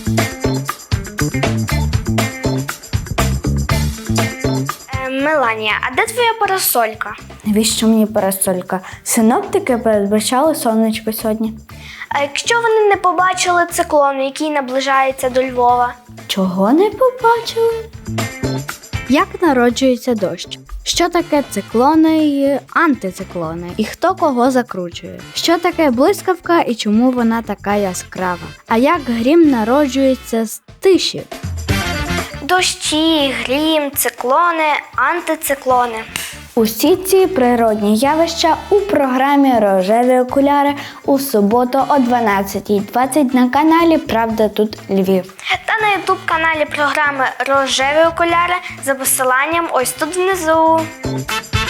Меланія, а де твоя парасолька? Навіщо мені парасолька? Синоптики передбачали сонечко сьогодні. А якщо вони не побачили циклон, який наближається до Львова? Чого не побачили? Як народжується дощ? Що таке циклони і антициклони? І хто кого закручує? Що таке блискавка і чому вона така яскрава? А як грім народжується з тиші? Дощі, грім, циклони, антициклони. Усі ці природні явища у програмі «Рожеві окуляри» у суботу о 12:20 на каналі «Правда тут Львів». Та на ютуб-каналі програми «Рожеві окуляри» за посиланням ось тут внизу.